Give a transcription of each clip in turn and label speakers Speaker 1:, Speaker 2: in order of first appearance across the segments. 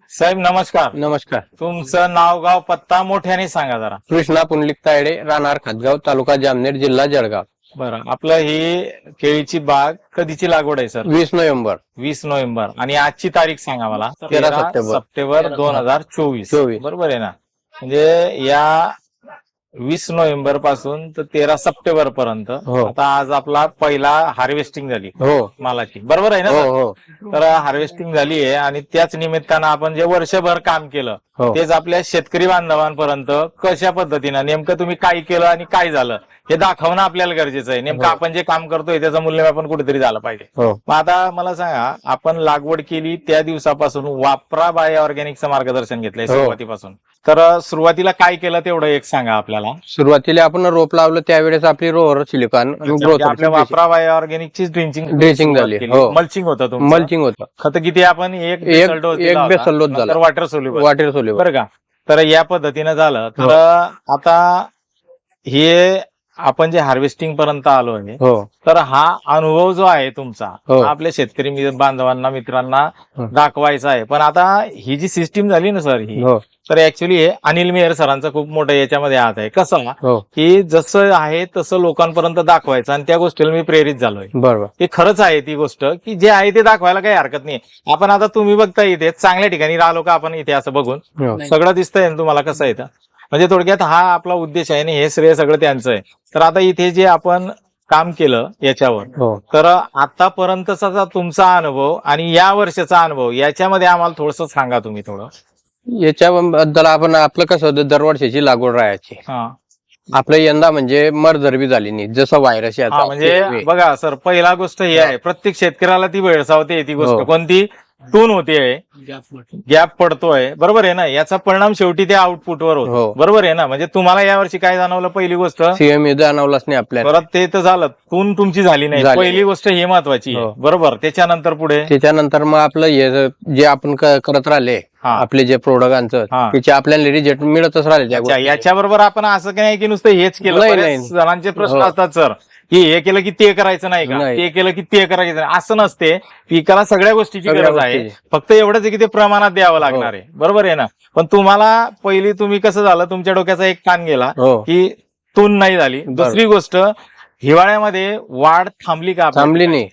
Speaker 1: साहेब नमस्कार.
Speaker 2: नमस्कार.
Speaker 1: तुमचं नाव गाव पत्ता मोठ्याने सांगा जरा.
Speaker 2: कृष्णा पुंडलिक तायडे, राहणार खातगाव, तालुका जामनेर, जिल्हा जळगाव.
Speaker 1: बरं, आपलं ही केळीची बाग कधीची लागवड आहे सर?
Speaker 2: 20 नोव्हेंबर.
Speaker 1: 20 नोव्हेंबर. आणि आजची तारीख सांगा मला.
Speaker 2: 13
Speaker 1: सप्टेंबर 2024.
Speaker 2: 24.
Speaker 1: बरोबर आहे ना? म्हणजे या 20 नोव्हेंबर पासून तर 13 सप्टेंबर पर्यंत.
Speaker 2: हो.
Speaker 1: आता आज आपला पहिला हार्वेस्टिंग झाली
Speaker 2: हो
Speaker 1: मालाची, बरोबर आहे ना
Speaker 2: हो
Speaker 1: सर?
Speaker 2: हो
Speaker 1: तर हार्वेस्टिंग झाली आहे आणि त्याच निमित्तानं आपण जे वर्षभर काम केलं
Speaker 2: हो.
Speaker 1: तेच आपल्या शेतकरी बांधवांपर्यंत कशा पद्धतीनं नेमकं तुम्ही काय केलं आणि काय झालं हे दाखवणं आपल्याला गरजेचं आहे. नेमकं
Speaker 2: हो.
Speaker 1: आपण जे काम करतोय त्याचं मूल्यमापन कुठेतरी झालं पाहिजे.
Speaker 2: हो.
Speaker 1: मग आता मला सांगा, आपण लागवड केली त्या दिवसापासून वापरा बाय ऑर्गॅनिकचं मार्गदर्शन घेतलंय
Speaker 2: हो.
Speaker 1: सुरुवातीपासून. तर सुरुवातीला काय केलं तेवढं एक सांगा आपल्याला.
Speaker 2: सुरुवातीला आपण रोप लावलं त्यावेळेस आपली रोहर सिलिकॉन
Speaker 1: म्हणजे आपल्या वापरा बाय ऑर्गॅनिकची
Speaker 2: ड्रेसिंग झाली. हो.
Speaker 1: मल्चिंग होतं तुमचं.
Speaker 2: मल्चिंग होतं.
Speaker 1: खत किती आपण एक बेसल डोस दिला होता.
Speaker 2: बेसल डोस झाला.
Speaker 1: नंतर वॉटर सोल्युबल.
Speaker 2: Water soluble.
Speaker 1: बरं का? तर या पद्धतीनं झालं. तर आता हे आपण जे हार्वेस्टिंग पर्यंत आलो आहे,
Speaker 2: हो
Speaker 1: तर हा अनुभव जो आहे तुमचा
Speaker 2: हो.
Speaker 1: हा आपल्या शेतकरी बांधवांना मित्रांना
Speaker 2: हो.
Speaker 1: दाखवायचा आहे. पण आता ही जी सिस्टीम झाली ना सर ही,
Speaker 2: हो
Speaker 1: तर ऍक्च्युली हे अनिल मेहर सरांचं खूप मोठं याच्यामध्ये हात आहे. कसं
Speaker 2: हो.
Speaker 1: की जसं आहे तसं लोकांपर्यंत दाखवायचं आणि त्या गोष्टीला मी प्रेरित झालोय.
Speaker 2: बरोबर.
Speaker 1: हे खरंच आहे ती गोष्ट की जे आहे ते दाखवायला काही हरकत नाही. आपण आता तुम्ही बघता इथे चांगल्या ठिकाणी राहिलो का आपण इथे असं बघून
Speaker 2: हो.
Speaker 1: सगळं दिसतंय ना तुम्हाला कसं येतं. म्हणजे थोडक्यात हा आपला उद्देश आहे आणि हे श्रेय सगळं त्यांचं आहे. तर आता इथे जे आपण काम केलं याच्यावर,
Speaker 2: हो.
Speaker 1: तर आतापर्यंतचा तुमचा अनुभव आणि या वर्षाचा अनुभव याच्यामध्ये आम्हाला थोडंसं सांगा तुम्ही थोडं.
Speaker 2: याच्याबद्दल आपण आपलं कसं होतं, दरवर्षीची लागवड राहायची.
Speaker 1: हा
Speaker 2: आपलं यंदा म्हणजे मरझरबी झाली नाही, जसं व्हायरस
Speaker 1: हा, म्हणजे बघा सर, पहिला गोष्ट ही आहे, प्रत्येक शेतकऱ्याला ती वेळसावते ती गोष्ट.
Speaker 2: हो.
Speaker 1: कोणती? टून होते, गॅप पडतोय, बरोबर आहे ना? याचा परिणाम शेवटी त्या आउटपुटवर होतो.
Speaker 2: हो.
Speaker 1: बरोबर आहे ना? म्हणजे तुम्हाला यावर्षी काय जाणवलं? पहिली गोष्ट
Speaker 2: सीएम जाणवलाच नाही आपल्याला.
Speaker 1: परत ते तर झालं, तून तुमची झाली नाही.
Speaker 2: झाली.
Speaker 1: पहिली गोष्ट ही महत्वाची आहे.
Speaker 2: हो.
Speaker 1: बरोबर. त्याच्यानंतर पुढे
Speaker 2: त्याच्यानंतर मग आपलं हे जे आपण करत राहिले,
Speaker 1: हा.
Speaker 2: आपले जे प्रोडक्टांचं
Speaker 1: हा.
Speaker 2: त्याचे आपल्याला रिजेक्ट मिळतच राहिले त्या
Speaker 1: अच्छा,
Speaker 2: गोष्टी.
Speaker 1: याच्याबरोबर आपण असं काही नाही की नुसतं हेच केलं.
Speaker 2: नाही,
Speaker 1: बरेच
Speaker 2: नाही.
Speaker 1: जणांचे प्रश्न
Speaker 2: हो.
Speaker 1: असतात सर की हे केलं की ते करायचं नाही का,
Speaker 2: नाही.
Speaker 1: ते केलं की ते करायचं नाही. असं नसते. पिकाला सगळ्या गोष्टीची
Speaker 2: सगळ्या
Speaker 1: गरज आहे.
Speaker 2: गोष्टीची.
Speaker 1: फक्त एवढंच आहे की ते प्रमाणात द्यावं लागणार आहे. बरोबर आहे ना? पण तुम्हाला पहिली तुम्ही कसं झालं, तुमच्या डोक्याचा एक कान गेला
Speaker 2: हो.
Speaker 1: की तून नाही झाली. दुसरी गोष्ट, हिवाळ्यामध्ये वाढ थांबली का आपली?
Speaker 2: थांबली नाही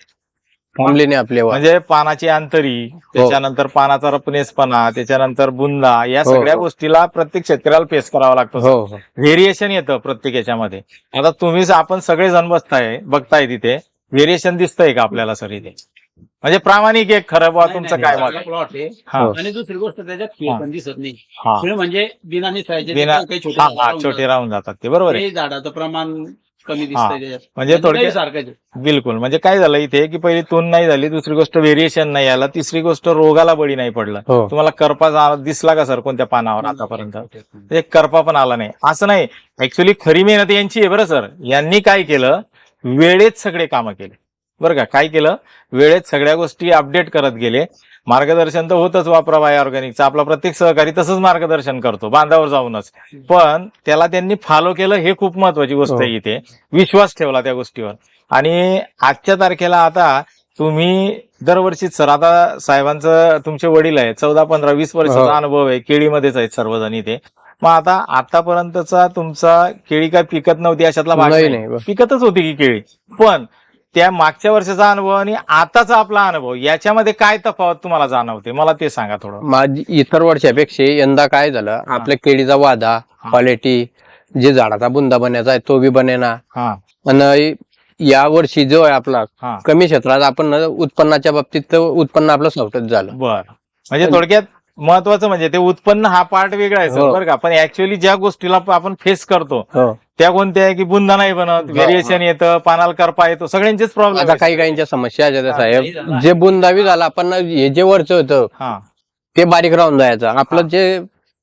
Speaker 2: आपले
Speaker 1: म्हणजे पानाची अंतरी, त्याच्यानंतर पानाचा रपनेसपणा, त्याच्यानंतर बुंदा, या
Speaker 2: हो.
Speaker 1: सगळ्या गोष्टीला प्रत्येक शेतकऱ्याला फेस करावा लागतो.
Speaker 2: हो हो.
Speaker 1: व्हेरिएशन येतं प्रत्येक याच्यामध्ये. आता तुम्हीच आपण सगळे जण बघताय तिथे व्हेरिएशन दिसतंय का आपल्याला सर इथे? म्हणजे प्रामाणिक एक खरं बुवा तुमचं काय मत?
Speaker 3: प्लॉट आहे.
Speaker 1: हा.
Speaker 3: आणि दुसरी गोष्ट त्याच्यात खीळ
Speaker 1: हा.
Speaker 3: पण दिसत नाही.
Speaker 1: हा.
Speaker 3: खीळ म्हणजे बिना निसायचे
Speaker 1: बिना-
Speaker 3: काही छोटे
Speaker 1: हा,
Speaker 3: झाडं
Speaker 1: हा,
Speaker 3: राहून
Speaker 1: छोटे राहून जातात ते. बरोबर आहे.
Speaker 3: ते झाडाचं प्रमाण कमी
Speaker 1: हा.
Speaker 3: दिसतंय त्याच्यात.
Speaker 1: म्हणजे थोडक्यात
Speaker 3: सारखं
Speaker 1: बिलकुल. म्हणजे काय झालं इथे की पहिली तून नाही झाली, दुसरी गोष्ट व्हेरिएशन नाही आला, तिसरी गोष्ट रोगाला बळी नाही पडलं.
Speaker 2: हो.
Speaker 1: तुम्हाला करपा दिसला का सर कोणत्या पानावर आतापर्यंत? एक करपा पण आला नाही. असं नाही. ऍक्च्युली खरी मेहनत यांची आहे बरं सर. यांनी काय केलं, वेळेत सगळे कामं केले. बरं का? काय केलं, वेळेत सगळ्या गोष्टी अपडेट करत गेले. मार्गदर्शन तर होतच वापरा बाय ऑर्गॅनिकचं. आपला प्रत्येक सहकारी तसंच मार्गदर्शन करतो बांधावर जाऊनच. पण त्याला त्यांनी फॉलो केलं, हे खूप महत्वाची गोष्ट आहे इथे. विश्वास ठेवला त्या गोष्टीवर. आणि आजच्या तारखेला आता तुम्ही दरवर्षीच सर, आता साहेबांचं तुमचे वडील आहे, 14, 15, 20 वर्षाचा अनुभव आहे, केळीमध्येच आहेत सर्वजण इथे. मग आता आतापर्यंतचा तुमचा केळी काय पिकत नव्हती अशातला भाग नाही, पिकतच होती की केळी. पण त्या मागच्या वर्षाचा अनुभव आणि आताचा आपला अनुभव याच्यामध्ये काय तफावत तुम्हाला जाणवते, मला ते सांगा थोडं.
Speaker 2: माझी इतर वर्षापेक्षा यंदा काय झालं, आपल्या केळीचा वादा, क्वालिटी, जे झाडाचा बुंदा बनायचा आहे तो बी बनेना. आणि या वर्षी जो आहे आपला कमी क्षेत्रात आपण उत्पन्नाच्या बाबतीत उत्पन्न आपलं सवटच झालं.
Speaker 1: बर. म्हणजे थोडक्यात महत्वाचं म्हणजे ते उत्पन्न हा पार्ट वेगळा आहे सर, बरं का? पण ऍक्च्युअली ज्या गोष्टीला आपण फेस करतो त्या कोणत्या आहे की बुंदा नाही बनत, व्हेरिएशन येतं, पानाला करपा येतो, सगळ्यांचेच प्रॉब्लेम.
Speaker 2: आता काही काहींच्या समस्या साहेब, जे बुंदावी झाला आपण हे जे वरचं होतं ते बारीक राहून जायचं आपलं जे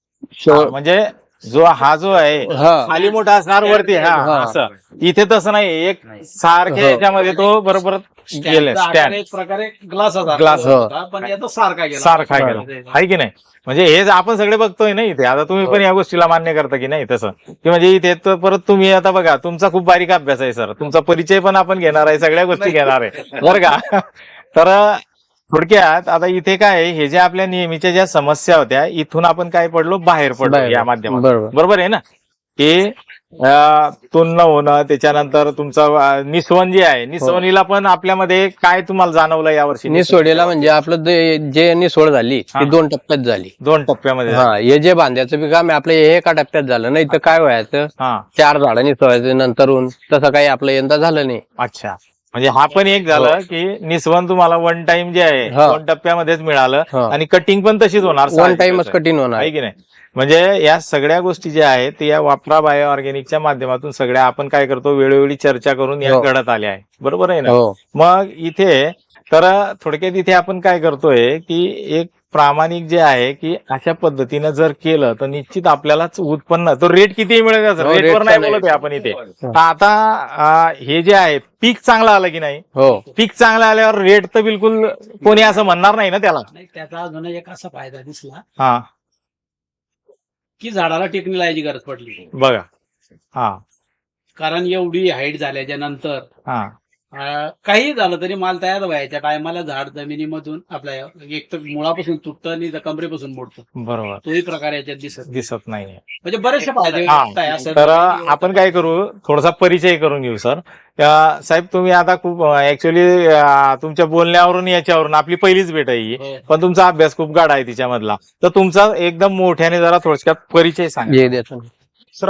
Speaker 1: म्हणजे जो आहे खाली मोठा असणार वरती. असं इथे तसं नाही, एक सारख्या याच्यामध्ये तो बरोबर गेले स्टँड,
Speaker 3: एक प्रकारे ग्लास पण याचा
Speaker 1: सारखा गेला आहे की नाही? म्हणजे हे आपण सगळे बघतोय ना इथे. आता तुम्ही पण या गोष्टीला मान्य करता की नाही तसं, की म्हणजे इथे तर परत तुम्ही आता बघा, तुमचा खूप बारीक अभ्यास आहे सर, तुमचा परिचय पण आपण घेणार आहे, सगळ्या गोष्टी घेणार आहे बरं का? तर थोडक्यात आता इथे काय आहे, हे जे आपल्या नेहमीच्या ज्या समस्या होत्या इथून आपण काय पडलो बाहेर पडलो
Speaker 2: बाहेर.
Speaker 1: या माध्यमात.
Speaker 2: बरोबर
Speaker 1: बरोबर आहे ना, की तुन्न होणं, त्याच्यानंतर तुमचं निस्वन जे आहे, निस्वनीला पण आपल्यामध्ये काय तुम्हाला जाणवलं यावर्षी?
Speaker 2: निसोडीला म्हणजे आपलं जे निसोड झाली ती 2 टप्प्यात झाली.
Speaker 1: 2 टप्प्यामध्ये
Speaker 2: हा, हे जे बांध्याचं बी काम आहे आपलं हे एका टप्प्यात झालं, नाही तर काय व्हायचं
Speaker 1: हा
Speaker 2: 4 झाडं निसवायचं नंतरून, तसं काही आपलं यंदा झालं नाही.
Speaker 1: अच्छा, म्हणजे हा पण एक झालं की निस्वन तुम्हाला 1 टाइम जे आहे
Speaker 2: हा.
Speaker 1: 2 टप्प्यामध्येच मिळालं
Speaker 2: हा.
Speaker 1: आणि कटिंग पण तशीच होणार.
Speaker 2: 1 टाइमच कठीण होणार.
Speaker 1: आहे की नाही? म्हणजे या सगळ्या गोष्टी ज्या आहेत ते या वापरा बायो ऑर्गॅनिकच्या माध्यमातून सगळ्या आपण काय करतो वेळोवेळी चर्चा करून या
Speaker 2: हो.
Speaker 1: घडत आल्या आहे. बरोबर आहे ना?
Speaker 2: हो
Speaker 1: मग इथे तर थोडक्यात इथे आपण काय करतोय की एक प्रामाणिक जे आहे की अशा पद्धतीनं जर केलं तर निश्चित आपल्यालाच उत्पन्न, तो रेट किती मिळेल
Speaker 2: हो,
Speaker 1: रेटवर
Speaker 2: रेटचं
Speaker 1: नाही
Speaker 2: नाही.
Speaker 1: बोलत आहे आपण इथे. तर आता हे जे आहे पीक चांगलं आलं की नाही,
Speaker 2: हो
Speaker 1: पीक चांगलं आल्यावर रेट तर बिलकुल कोणी असं म्हणणार नाही ना त्याला.
Speaker 3: नाही, त्याचा अजून एक असा फायदा दिसला
Speaker 1: हा
Speaker 3: की झाडाला टेकणी लावायची गरज पडली.
Speaker 1: बघा. हा
Speaker 3: कारण एवढी हाईट झाल्याच्या नंतर
Speaker 1: हा
Speaker 3: काही झालं तरी माल तयार व्हायच्या टायमाला झाड जमिनीमधून आपल्या एक तर मुळापासून तुटतं आणि कमरेपासून मोडतं.
Speaker 1: बरोबर,
Speaker 3: तोही प्रकार याच्यात दिसत
Speaker 1: दिसत नाहीये.
Speaker 3: म्हणजे बरेचसे फायदे
Speaker 1: हा.
Speaker 3: आहे असं.
Speaker 1: तर आपण काय करू, थोडासा परिचय करून घेऊ सर. साहेब तुम्ही आता खूप ऍक्च्युअली तुमच्या बोलण्यावरून याच्यावरून आपली पहिलीच भेट आहे ही,
Speaker 3: हो.
Speaker 1: पण तुमचा अभ्यास खूप गाढा आहे तिच्यामधला. तर तुमचा एकदम मोठ्याने जरा थोडक्यात परिचय सांगा.
Speaker 2: हे देतो.